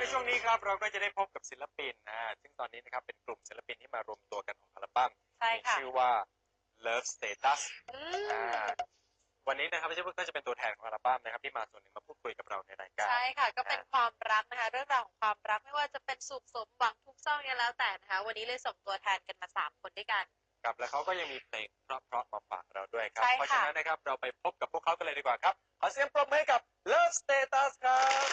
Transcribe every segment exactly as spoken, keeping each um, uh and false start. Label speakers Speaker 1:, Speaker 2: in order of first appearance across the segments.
Speaker 1: ช่วงนี้ครับเราก็จะได้พบกับศิลปินนะซึ่งตอนนี้นะครับเป็นกลุ่มศิลปินที่มารวมตัวกันของอัลบั้มมีชื่อว่า Love Status อ่าวันนี้นะครับพี่เชฟก็จะเป็นตัวแทนของอัลบั้มนะครับที่มาส่วนหนึ่งมาพูดคุยกับเราในรายการ
Speaker 2: ใช่ค่ะก็เป็นความรักนะคะเรื่องราวของความรักไม่ว่าจะเป็นสุขสมหวังทุกเศร้าเนี่ยแล้วแต่นะคะวันนี้เลยส่งตัวแทนกันมาสามคนด้วยกัน
Speaker 1: ครับและเขาก็ยังมีเพลงเพราะๆมาฝากเราด้วยครับ
Speaker 2: เพ
Speaker 1: เพราะฉะนั้นนะครับเราไปพบกับพวกเขากันเลยดีกว่าครับขอเสียงปรบมือให้กับ Love Status ครับ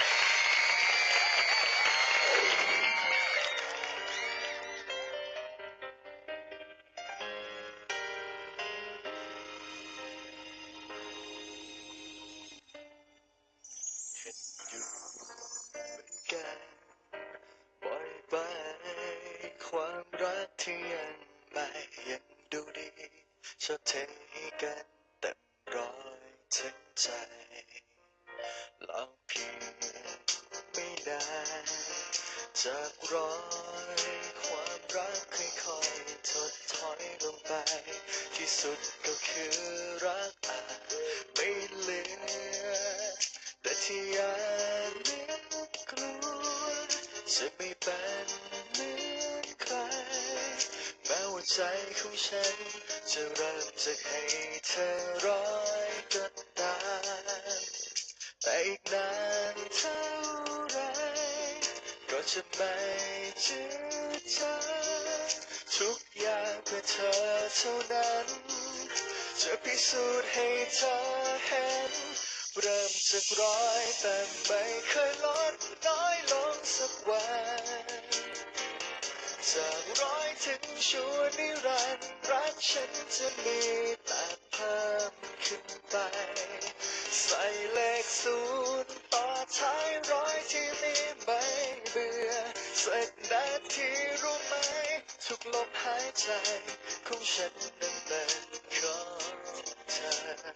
Speaker 3: ปล่อยไปความรักที่ยังไม่ยังดูดีชดเทให้กันเต็มร้อยถึงใจลองเพียงไม่นานจากร้อยความรักค่อยๆถดถอยลงไปที่สุดก็คือรักอาจไม่เหลือแต่ที่ยังนึกกลัวจะไม่เป็นเหมือนใครแม้ว่าใจของฉันจะเริ่มจะให้เธอร้อยก็ตามแต่อีกนานเท่าไรก็จะไม่จืดจางทุกอย่างเพื่อเธอเท่านั้นจะพิสูจน์ให้เธอเห็นเริ่มจากร้อยแต่ไม่เคยลดน้อยลงสักวันจากร้อยถึงชั่วนิรันดร์รักฉันจะมีแต่เพิ่มขึ้นไปใส่เลขศูนย์ต่อท้ายร้อยที่นี่ไม่เบื่อสักนาทีรู้ไหมทุกลมหายใจของฉันนั้นเป็นของเธอ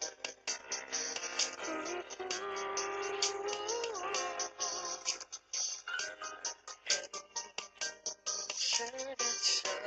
Speaker 3: ฉันได้เจอ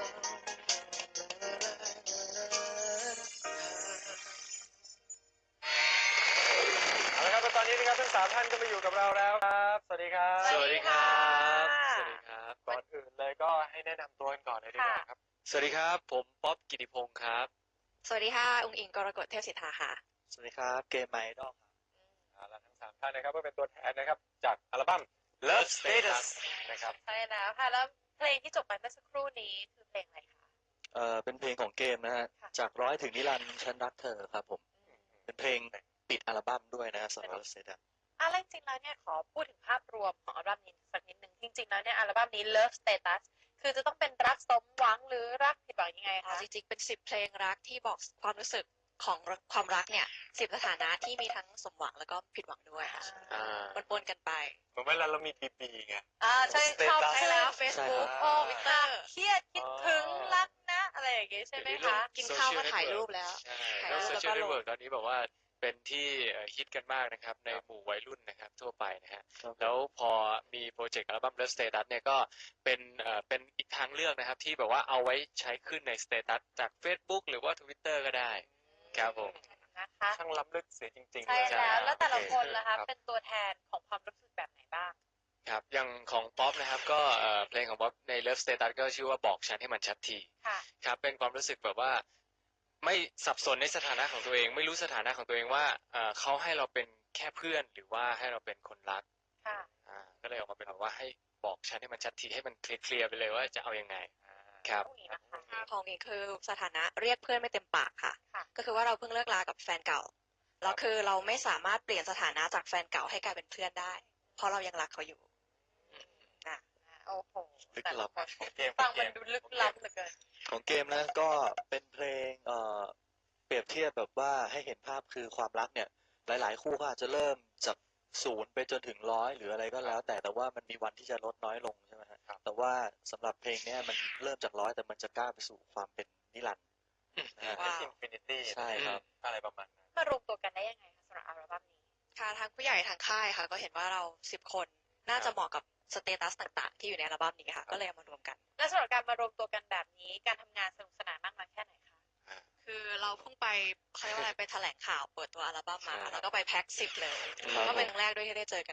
Speaker 1: เอาละครับตอนนี้นะครับทั้งสามท่านก็มาอยู่กับเราแล้วครับสวัสดีครับ
Speaker 2: สวัสดีครับ
Speaker 1: สวัสดีครับก่อนอื่นเลยก็ให้แนะนำตัวกันก่อนเลยดีกว่าครับ
Speaker 3: สวัสดีครับผมป๊อบกิติพงศ์ครับ
Speaker 2: สวัสดีค่ะองค์อิงกรกฎเทพสิทธาค่ะ
Speaker 3: สวัสดีครับเกมไมดอลครับ
Speaker 1: เอาละทั้งสามท่านนะครับก็เป็นตัวแทนนะครับจากอัลบั้ม Love Status นะครับ
Speaker 2: ใช่แล้วค่ะแล้วเพลงที่จบไปเมื่อสักครู่นี้คือเพลงอะไรคะ
Speaker 3: เอ่อเป็นเพลงของเกมนะฮะจากร้อยถึงนิรันดร์ฉันรักเธอครับผมเป็นเพลงปิดอัลบั้มด้วยนะสำหรับ Love Status
Speaker 2: อะไรจริงๆแล้วเนี่ยขอพูดถึงภาพรวมของอัลบั้มนี้สักนิดนึงจริงๆแล้วเนี่ยอัลบั้มนี้ Love Status คือจะต้องเป็นรักสมหวังหรือรักผิดหวังยังไงคะ
Speaker 4: จริงๆเป็นสิบเพลงรักที่บอกความรู้สึกของความรักเนี่ยสิบสถานะที่มีทั้งสมหวังแล้วก็ผิดหวังด้วยค่ะปนๆกันไป
Speaker 1: เหมือนเวลาเรามีปีปีไง
Speaker 2: อ่าใช่ชอบใช่แล้ว
Speaker 4: Facebook
Speaker 2: โอ้ทวิตเตอร์เครียดคิดถึงรักนะอะไรอย่างเงี้ยใช่ไหมคะ
Speaker 4: กินข้าวก็ถ่ายรูปแล้ว
Speaker 5: ใช่แล้วโซเชียลเน็ตเวิร์กตอนนี้บอกว่าเป็นที่ฮิตกันมากนะครับในหมู่วัยรุ่นนะครับทั่วไปนะฮะแล้วพอมีโปรเจกต์อัลบั้ม Love Status เนี่ยก็เป็นเอ่อเป็นอีกทางเลือกนะครับที่แบบว่าเอาไว้ใช้ขึ้นในสเตตัสจาก Facebook หรือว่า Twitter ก็ได้ครับผม
Speaker 2: นะคะ
Speaker 1: ช่างล้ำลึกเสียจริงๆ
Speaker 2: ใช่แล้วแล้วแต่ละคนล่ะคะเป็นตัวแทนของความรู้สึกแบบไหนบ้าง
Speaker 5: ครับอย่างของป๊อปนะครับก็เอ่อเพลงของป๊อปใน Love Status ก็ชื่อว่าบอกฉันให้มันชัดทีครับเป็นความรู้สึกแบบว่าไม่สับสนในสถานะของตัวเองไม่รู้สถานะของตัวเองว่าเอ่อเขาให้เราเป็นแค่เพื่อนหรือว่าให้เราเป็นคนรัก
Speaker 2: ค่ะ
Speaker 5: อ่าก็เลยออกมาเป็นแบบว่าให้บอกฉันให้มันชัดทีให้มันเคลียร์ๆไปเลยว่าจะเอายังไงครับ
Speaker 4: ของนี้คือสถานะเรียกเพื่อนไม่เต็มปากค่ะก็คือว่าเราเพิ่งเลิกลากับแฟนเก่าแล้วคือเราไม่สามารถเปลี่ยนสถานะจากแฟนเก่าให้กลายเป็นเพื่อนได้เพราะเรายังรักเขาอยู่
Speaker 2: นะโอ้โห
Speaker 3: ลึกลับ
Speaker 2: ฟังมันดูลึกลับเหลือเกิน
Speaker 3: ของเกมนะก็เป็นเพลงเอ่อเปรียบเทียบแบบว่าให้เห็นภาพคือความรักเนี่ยหลายๆคู่ก็อาจจะเริ่มจากศูนย์ไปจนถึงร้อยหรืออะไรก็แล้วแต่แต่ว่ามันมีวันที่จะลดน้อยลงใช่ไหมครับแต่ว่าสำหรับเพลงนี้มันเริ่มจากร้อยแต่มันจะก้าวไปสู่ความเป็นนิรันดร์
Speaker 1: เป็นอินฟินิตี้
Speaker 3: ใช่ครับ
Speaker 1: อะไรประมาณนั้น
Speaker 2: มารวมตัวกันได้ยังไงคะสำหรับอัลบั้มนี้
Speaker 4: ค่ะทางผู้ใหญ่ทางค่ายค่ะก็เห็นว่าเราสิบคนน่าจะเหมาะกับสเตตัสต่างๆที่อยู่ในอัลบั้มนี้ค่ะก็เลยเอามารวมกัน
Speaker 2: และสำหรับการมารวมตัวกันแบบนี้การทำงานสนุกสนานมากน้อยแค่ไหนคะ
Speaker 4: คือเราเพิ่งไปเขาเรียกว่าอะไรไปแถลงข่าวเปิดตัวอัลบั้มมาแล้วก็ไปแพ็คสิบเลยก็เป็นครั้งแรกด้วยที่ได้เจอกันครบ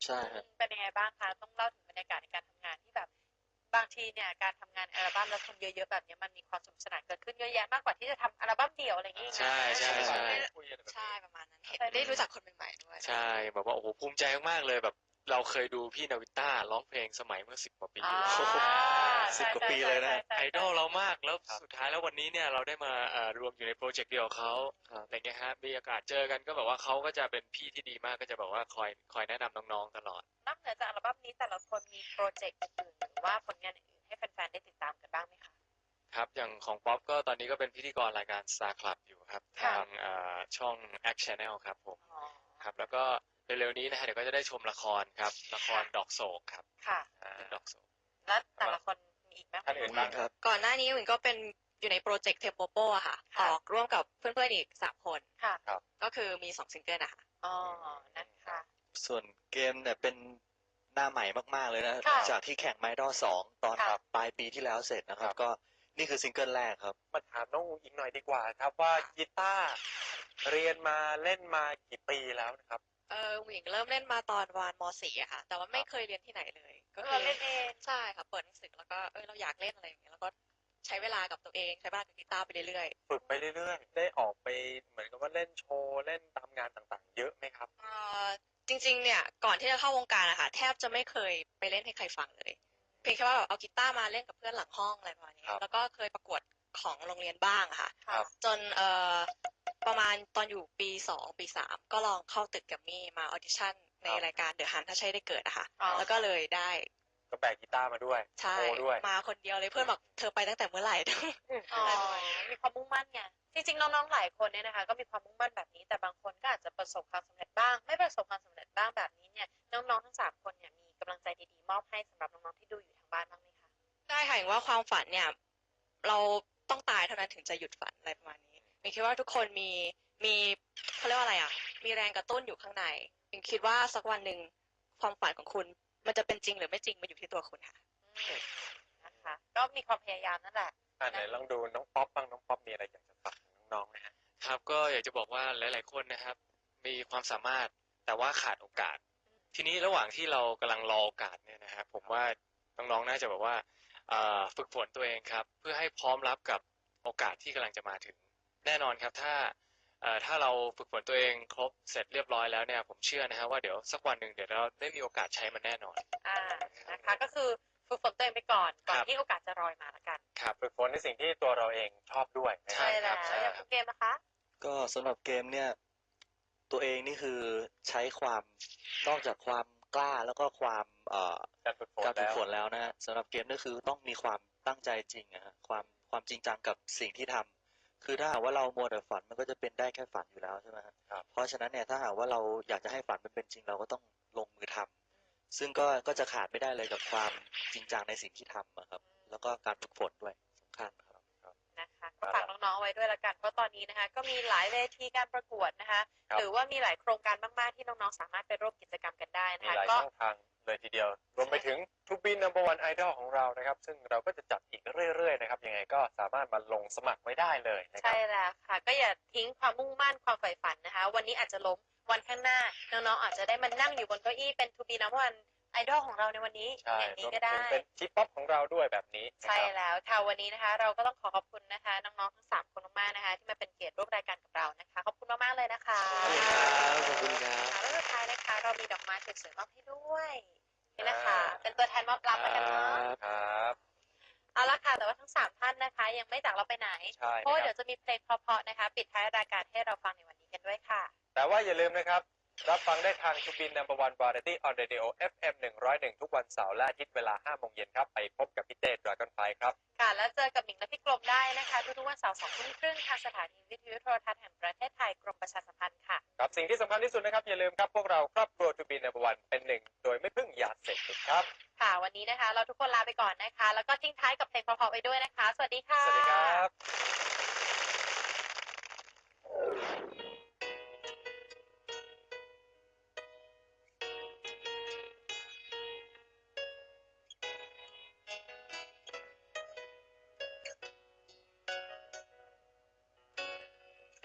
Speaker 3: ใช่ครับ
Speaker 2: เป็นยังไงบ้างคะต้องเล่าถึงบรรยากาศในการทำงานที่แบบบางทีเนี่ยการทำงานอัลบั้มแล้วคนเยอะๆแบบนี้มันมีความสนุกสนานเกิดขึ้นเยอะแยะมากกว่าที่จะทำอัลบั้มเดี่ยวอะไรอย่างเงี้ย
Speaker 5: ใช่ใช่ใช่
Speaker 4: ใช่ประมาณนั้นเห็นได้รู้จักคนใหม่ๆด้วย
Speaker 5: ใช่แบบว่าโอ้โหภูมิใจมากๆเลยแบบเราเคยดูพี่นาวินต้าร้องเพลงสมัยเมื่อสิบกว่าปี
Speaker 2: อ่า
Speaker 5: ที่แล้ว
Speaker 3: สิบกว่าปีเลยนะ
Speaker 5: ไอดอลเรามากแล้วสุดท้ายแล้ววันนี้เนี่ยเราได้มาเอ่อรวมอยู่ในโปรเจกต์เดียวกับเขาอะไรเงี้ยฮะมีโอกาสเจอกันก็แบบว่าเขาก็จะเป็นพี่ที่ดีมากก็จะแบบว่าคอยคอยแนะนำน้องๆตลอด
Speaker 2: นอกเหนือจากอัลบั้มนี้แต่ละคนมีโปรเจกต์อื่นๆหรือว่าผลงานอื่นๆให้แฟนๆได้ติดตามกันบ้างไหมคะ
Speaker 5: ครับอย่างของป๊อปก็ตอนนี้ก็เป็นพิธีกรรายการ Star Club อยู่ครับ
Speaker 2: ค่ะ
Speaker 5: ทางเอ่อช่อง Act Channel ครับผม
Speaker 2: อ๋อ
Speaker 5: ครับแล้วก็เร็วๆนี้นะฮะเดี๋ยวก็จะได้ชมละครครับละครดอกโศกครับ
Speaker 2: ค่ะ
Speaker 5: อ่าดอกโศก
Speaker 2: แล้วแต่ละคนมีอีกไหม
Speaker 1: ท่านอื่นบ้างครับ
Speaker 4: ก่อนหน้านี้วินก็เป็นอยู่ในโปรเจกต์เทปโปโปอะค่ะ อ
Speaker 2: ค่ะ
Speaker 4: อกร่วมกับเพื่อนๆอีกสามคน
Speaker 2: ค่ะ
Speaker 4: ก็คือมีสองซิงเกิลอะค่ะ
Speaker 2: อ๋อนะคะ
Speaker 3: ส่วนเกมเนี่ยเป็นหน้าใหม่มากๆเลยนะ
Speaker 2: ค่ะ
Speaker 3: จากที่แข่งไมดอลสองตอน
Speaker 2: ค่ะ
Speaker 3: ปลายปีที่แล้วเสร็จนะครับ ก็นี่คือซิงเกิลแรกครับ
Speaker 1: มาถามน้องอูอีกหน่อยดีกว่าครับว่ากีตาร์เรียนมาเล่นมากี่ปีแล้วนะครับ
Speaker 4: เออหวิงเริ่มเล่นมาตอนวานม .สี่ อะค่ะ แต่ว่าไม่เคยเรียนที่ไหนเลย ก็คื
Speaker 2: เราเล่นเอง
Speaker 4: ใช่ค่ะ เปิดหนังสือแล้วก็เออเราอยากเล่นอะไรอย่างเงี้ยแล้วก็ใช้เวลากับตัวเองใช้เวลากับกีตาร์ไปเรื่อย
Speaker 1: ฝึกไปเรื่อยๆ ได้ออกไปเหมือนกับว่าเล่นโชว์เล่นตามงานต่างๆ เยอะไหมครับ
Speaker 4: ๆเอ่อจริงๆ เนี่ยก่อนที่จะเข้าวงการอะค่ะแทบจะไม่เคยไปเล่นให้ใครฟังเลย เพียงแค่ว่าแบบเอากีตาร์มาเล่นกับเพื่อนหลังห้องอะไรประมาณนี้
Speaker 1: ครับ
Speaker 4: แล้วก็เคยประกวดของโรงเรียนบ้างอะค่ะ
Speaker 1: ครับ
Speaker 4: จนเอ่อประมาณตอนอยู่ปีสองปีสามก็ลองเข้าตึกแกรมมี่มาออดิชั่นในรายการเดอะฮันถ้าใช่ได้เกิดอะค่ะ
Speaker 2: อ๋อ
Speaker 4: แล้วก็เลยได้
Speaker 1: ก็แบกกีตาร์มาด้วย
Speaker 4: ใช่
Speaker 1: โชว์ด้วย
Speaker 4: มาคนเดียวเลยเพื่อนบอกเธอไปตั้งแต่เมื่อไหร่
Speaker 2: อ๋อมีความมุ่งมั่นไงจริงๆน้องๆหลายคนเนี่ยนะคะก็มีความมุ่งมั่นแบบนี้แต่บางคนก็อาจจะประสบความสำเร็จบ้าง ไม่ประสบความสำเร็จบ้างแบบนี้เนี่ยน้องๆทั้งสามคนเนี่ยมีกำลังใจดีๆมอบให้สำหรับน้องๆที่ดูอยู่ทางบ้านบ้างไหมคะ
Speaker 4: ได้ค่ะอย่างว่าความฝันเนี่ยเราต้องตายเท่านั้นถึงจะหยุดฝันอะไรประมาณนี้มินคิดว่าทุกคนมีมีเขาเรียกว่าอะไรอ่ะมีแรงกระตุ้นอยู่ข้างในมินคิดว่าสักวันหนึ่งความฝันของคุณมันจะเป็นจริงหรือไม่จริงมันอยู่ที่ตัวคุณค่ะ
Speaker 2: อืมนะคะก็มีความพยายามนั่นแหละ
Speaker 1: อ่าไหนลองดูน้องป๊อปบ้างน้องป๊อปมีอะไรอยากจะฝากถึงน้องๆนะฮะ
Speaker 5: ครับก็อยากจะบอกว่าหลาย ๆ คนนะครับ มีความสามารถแต่ว่าขาดโอกาส ทีนี้ระหว่างที่เรากำลังรอโอกาสเนี่ยนะครับผมว่าน้องๆน่าจะแบบว่าเอ่อฝึกฝนตัวเองครับ เพื่อให้พร้อมรับกับโอกาสที่กำลังจะมาถึง แน่นอนครับถ้าเอ่อถ้าเราฝึกฝนตัวเองครบเสร็จเรียบร้อยแล้วเนี่ยผมเชื่อนะฮะว่าเดี๋ยวสักวันหนึ่งเดี๋ยวเราได้มีโอกาสใช้มันแน่นอน
Speaker 2: อ่านะคะก็คือฝึกฝนตัวเองไปก่อนก่อน
Speaker 5: ครับ
Speaker 2: ที่โอกาสจะรอยมาละกัน
Speaker 1: ครับฝึกฝนในสิ่งที่ตัวเราเองชอบด้วยนะค
Speaker 2: ใช่
Speaker 1: รับ
Speaker 2: แล้ว
Speaker 1: ใช่
Speaker 2: อย่าง
Speaker 1: ค
Speaker 2: คุ
Speaker 1: รับ
Speaker 2: ณเกมนะคะ
Speaker 3: ก็สำหรับเกมเนี่ยตัวเองนี่คือใช้ความนอกจากความกล้าแล้วก็ความเอ่อ
Speaker 1: การฝึกฝน
Speaker 3: การฝึกฝน
Speaker 1: แล้ว
Speaker 3: แล้วนะฮะสำหรับเกมก็คือต้องมีความตั้งใจจริงนะฮะความความจริงจังกับสิ่งที่ทำคือถ้าหากว่าเรามัวแต่ฝันมันก็จะเป็นได้แค่ฝันอยู่แล้วใช่ไหมฮะ
Speaker 1: ครับ
Speaker 3: เพราะฉะนั้นเนี่ยถ้าหากว่าเราอยากจะให้ฝันมันเป็นจริงเราก็ต้องลงมือทำซึ่งก็ก็จะขาดไม่ได้เลยกับความจริงจังในสิ่งที่ทำอะครับแล้วก็การฝึกฝนด้วยสำคัญครับ
Speaker 2: นะคะก็ฝากน้องๆไว้ด้วยละกันเพราะตอนนี้นะคะก็มีหลายเวทีการประกวดนะคะ
Speaker 1: ครับ
Speaker 2: หรือว่ามีหลายโครงการมากๆที่น้องๆสามารถไปร่วมกิจกรรมกันได้นะ
Speaker 1: มี
Speaker 2: คะ
Speaker 1: หลาย
Speaker 2: ก็
Speaker 1: ช่องทางเลยทีเดียว รวมไปถึง To Be Number One Idol ของเรานะครับ ซึ่งเราก็จะจัดอีกเรื่อยๆนะครับ ยังไงก็สามารถมาลงสมัครไว้ได้เลยนะครั
Speaker 2: ใช่
Speaker 1: บ
Speaker 2: แล้วค่ะ ก็อย่าทิ้งความมุ่งมั่นความใฝ่ฝันนะคะ วันนี้อาจจะล้มวันข้างหน้าน้องๆอาจจะได้มานั่งอยู่บนเก้าอี้เป็น To Be Number One Idol ของเราในวันนี้
Speaker 1: ใช่
Speaker 2: อย่าง
Speaker 1: ร
Speaker 2: นี้
Speaker 1: วม
Speaker 2: ก็
Speaker 1: ถึ
Speaker 2: ได้
Speaker 1: งเป็นทีป๊อปของเราด้วยแบบนี้นะ
Speaker 2: ใช่
Speaker 1: ครับ
Speaker 2: แล้วค่ะวันนี้นะคะ เราก็ต้องขอขอบคุณนะคะน้องๆทั้งสามคนมากๆนะคะ ที่มาเป็นเกียรติร่วมรายการกับเรานะคะขอบคุณมากๆเลยนะคะ
Speaker 3: ขอบคุณครับขอบคุณครับ
Speaker 2: ค่ะแล้วสุดท้ายนะคะ เรามีดอกไม้สวยๆมอบให้ด้วยนี่นะคะ เป็นตัวแทนมอบรับแล้วกันเนาะ
Speaker 1: ครับ
Speaker 2: เอาละค่ะแต่ว่าทั้งสามท่านนะคะ ยังไม่จากเราไปไหน
Speaker 1: ใช่
Speaker 2: เพราะว่า
Speaker 1: นะค
Speaker 2: เดี๋
Speaker 1: รั
Speaker 2: ย
Speaker 1: บ
Speaker 2: วจะมีเพลงเพราะๆนะคะ ปิดท้ายรายการให้เราฟังในวันนี้กันด้วยค่ะ
Speaker 1: แต่ว่าอย่าลืมนะครับ รับฟังได้ทาง To Be Number One Variety on Radio เอฟ เอ็ม หนึ่งร้อยเอ็ด ทุกวันเสาร์และอาทิตย์เวลาห้าโมงเย็นครับ ไปพบกับพี่เต้ Dragon Fly ครับ
Speaker 2: ค่ะ แล้วเจอกับหมิงและพี่กลมได้นะคะ ทุกๆวันเสาร์สองทุ่มครึ่งทางสถานีวิทยุโทรทัศน์แห่งประเทศไทยกรมประชาสัมพันธ์ค่ะ
Speaker 1: ครับสิ่งที่สำคัญที่สุดนะครับ อย่าลืมครับ พวกเราครอบครัว To Be Number One เป็นหนึ่งโดยไม่พึ่งยาเสพติดครับ
Speaker 2: ค่ะ วันนี้นะคะ เราทุกคนลาไปก่อนนะคะ แล้วก็ทิ้งท้ายกับเพลงเพราะๆไปด้วยนะคะ สวัสดีค่ะ
Speaker 1: สวัสดีครับ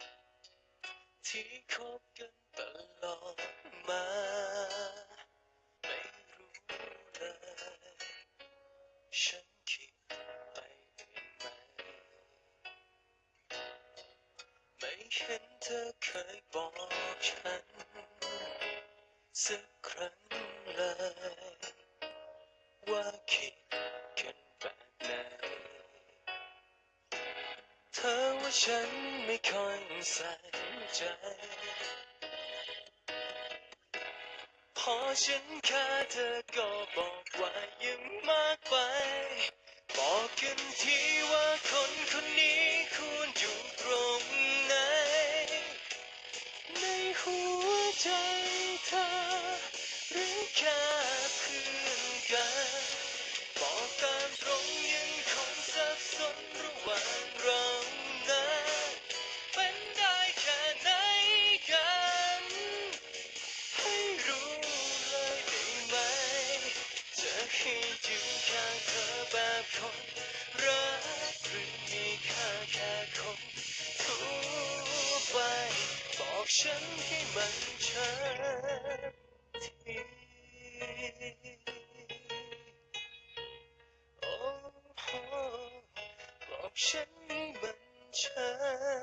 Speaker 3: ที่คบกันตลอดมาสักครั้งเลย ว่าคิดกันแบบไหนเธอว่าฉันไม่ค่อยใส่ใจ พอฉันแค่เธอก็บอกว่ายังมากไป บอกกันทีว่าคนคนนี้ควรอยู่ตรงไหน ในหัวใจเธอหรือแค่เพื่อนกัน บอกตามตรงยังคงสับสนระหว่างเรานั้นเป็นได้แค่ไหนกัน ให้รู้เลยได้ไหม จะให้อยู่ข้างเธอแบบคนรักหรือมีค่าแค่คนทั่วไป บอกฉันให้มันชัดทีโอ้โหบอกฉันให้มันชัด